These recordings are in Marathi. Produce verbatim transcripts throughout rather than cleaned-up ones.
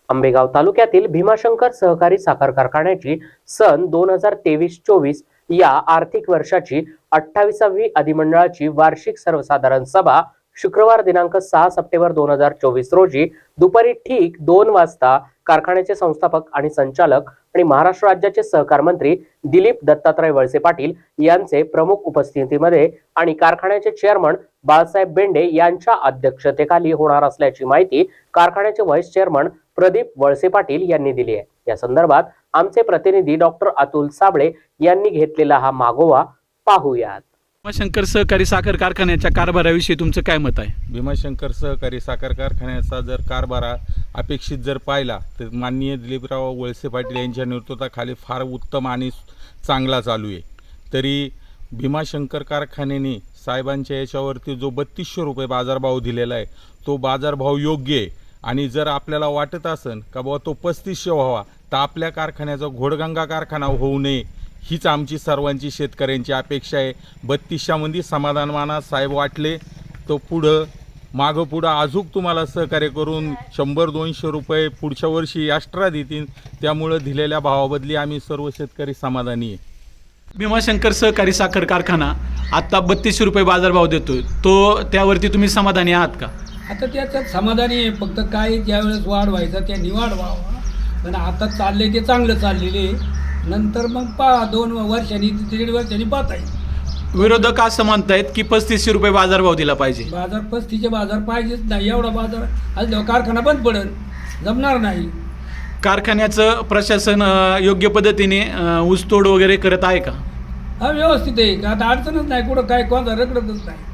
आंबेगाव तालुक्यातील भीमाशंकर सहकारी साखर कारखान्याची सन दोन हजार तेवीस चोवीस या आर्थिक वर्षाची अठ्ठावीसावी अधिमंडळाची वार्षिक सर्वसाधारण सभा शुक्रवार दिनांक सहा सप्टेंबर दोन हजार चोवीस रोजी दुपारी ठीक दोन वाजता कारखान्याचे संस्थापक आणि संचालक आणि महाराष्ट्र राज्याचे सहकार मंत्री दिलीप दत्तात्रय वळसे पाटील यांचे प्रमुख उपस्थितीमध्ये आणि कारखान्याचे चेअरमन बाळासाहेब बेंडे यांच्या अध्यक्षतेखाली होणार असल्याची माहिती कारखान्याचे व्हाईस चेअरमन प्रदीप वळसे पाटील यांनी दिली आहे। या संदर्भात आमचे प्रतिनिधी डॉक्टर अतुल साबळे यांनी घेतलेला हा मागोवा पाहूयात। भीमाशंकर सहकारी साखर कारखान्याच्या कारभाराविषयी तुमचं काय मत आहे? भीमाशंकर सहकारी साखर कारखान्याचा जर कारभार अपेक्षित जर पाहिला तर माननीय दिलीपराव वळसे पाटील यांच्या नेतृत्वाखाली फार उत्तम आणि चांगला चालू आहे। तरी भीमाशंकर कारखान्याने साहेबांच्या याच्यावरती जो बत्तीसशे रुपये बाजारभाव दिलेला आहे तो बाजारभाव योग्य आहे आणि जर आपल्याला वाटत असेल का बाबा तो पस्तीसशे व्हावा तर आपल्या कारखान्याचा घोडगंगा कारखाना होऊ नये हीच आमची सर्वांची शेतकऱ्यांची अपेक्षा आहे। बत्तीसशेमध्ये समाधान माना साहेब वाटले तो पुढं मागं पुढं अजूक तुम्हाला सहकार्य करून शंभर दोनशे रुपये पुढच्या वर्षी एक्स्ट्रा देतील, त्यामुळं दिलेल्या भावाबदली आम्ही सर्व शेतकरी समाधानी आहे। भीमाशंकर सहकारी साखर कारखाना आता बत्तीसशे रुपये बाजारभाव देतोय, तो त्यावरती तुम्ही समाधानी आहात का? आता त्याच्यात समाधानी आहे, फक्त काय ज्यावेळेस वाढ व्हायचा त्यांनी वाढ व्हावा, पण आता चालले ते चांगलं चाललेले, नंतर मग पा दोन वर्षांनी दीड वर्षांनी पाहता येईल। विरोधक असं म्हणतायत की पस्तीसशे रुपये बाजारभाव दिला पाहिजे। बाजार पस्तीसचे बाजार पाहिजेच नाही, एवढा बाजार आज जेव्हा कारखाना बंद पडेल जमणार नाही। कारखान्याचं प्रशासन अ, योग्य पद्धतीने अ, ऊसतोड वगैरे करत आहे का? हा व्यवस्थित आहे का, आता अडचणच नाही, कुठं काय कोणता रखडतच नाही।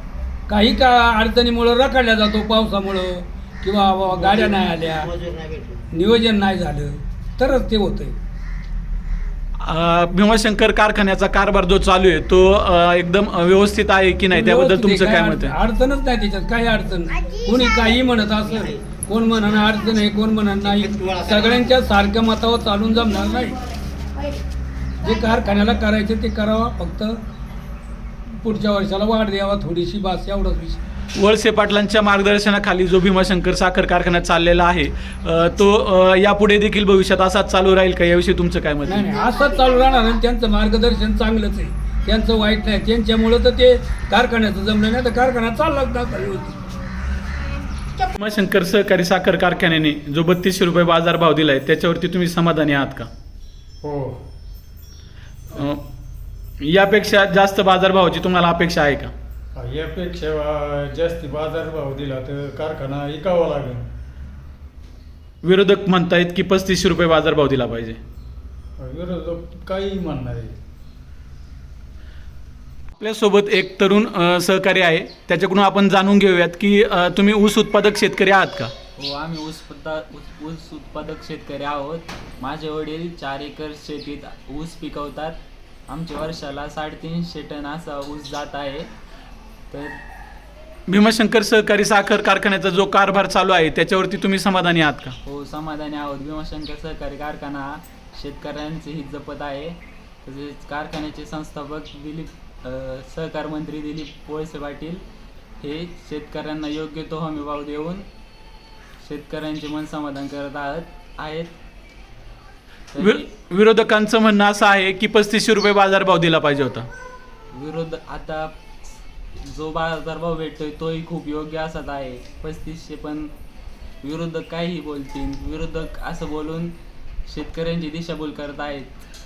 काही का अडचणीमुळं रखडल्या जातो, पावसामुळं किंवा गाड्या नाही आल्या, नियोजन नाही झालं तरच ते होतंय। अ, भीमाशंकर कारखान्याचा कारभार जो चालू आहे तो अ, एकदम व्यवस्थित आहे की नाही, त्याबद्दल तुमचं काय मत आहे? अडचणच नाही त्याच्यात, काही अडचण नाही। कोणी काही म्हणत असेल, कोण म्हणणं अडचण आहे, कोण म्हणत नाही, सगळ्यांच्या सारख्या मतावर चालून जमणार नाही। जे कारखान्याला करायचे ते करावा, फक्त पुढच्या वर्षाला वाढ द्यावा थोडीशी, बास एवढाच विषय। वळसे पाटलांच्या मार्गदर्शनाखाली जो भीमाशंकर साखर कारखाना चाललेला आहे अ, तो अ, यापुढे देखील भविष्यात असाच चालू राहील का, याविषयी तुमचं काय मत नाही आहे? नाही असंच चालू राहणार आणि त्यांचं मार्गदर्शन चांगलंच आहे, त्यांचं वाईट नाही, त्यांच्यामुळं तर ते कारखान्याचं जमलं नाही तर कारखाना चाललाच नाही होती। भीमाशंकर सहकारी साखर कारखान्याने जो बत्तीसशे रुपये बाजारभाव दिलाय त्याच्यावरती तुम्ही समाधानी आहात का? हो, अ, यापेक्षा जास्त बाजारभावाची तुम्हाला अपेक्षा आहे का? यापेक्षा जास्ती बाजारभाव दिला तर कारखाना विकावा लागेल। विरोधक म्हणतायत की पस्तीसशे रुपये बाजारभाव दिला पाहिजे। विरोधक काही म्हणणार आहे। आपल्यासोबत एक तरुण अ, सहकारी आहे, त्याच्याकडून आपण जाणून घेऊयात की अ, तुम्ही ऊस उत्पादक शेतकरी आहात का? हो, आम्ही ऊस पत्ता ऊस ऊस उत्पादक शेतकरी आहोत। माझे वडील चार एकर शेतीत ऊस पिकवतात। आमच्या वर्षाला साडेतीनशे टन असा ऊस जात आहे। तर भीमाशंकर सहकारी साखर कारखान्याचा जो कारभार चालू आहे त्याच्यावरती तुम्ही समाधानी आहात का? हो, समाधानी आहोत। भीमाशंकर सहकारी कारखाना हा शेतकऱ्यांचे हित जपत आहे। तसेच कारखान्याचे संस्थापक दिलीप अ, सहकार मंत्री दिलीप वळसे पाटील हे शेतकऱ्यांना योग्य तो हमीभाव देऊन शेतकऱ्यांचे मन समाधान करत आहात आहेत। वि तरी विरोधकांचं म्हणणं असं आहे की पस्तीसशे रुपये बाजारभाव दिला पाहिजे होता। विरोध आता जो बाजारभाव भेटतोय तोही खूप योग्य असत आहे पस्तीसशे, पण विरोधक काहीही बोलतील, विरोधक असं बोलून शेतकऱ्यांची दिशाभूल करत आहेत।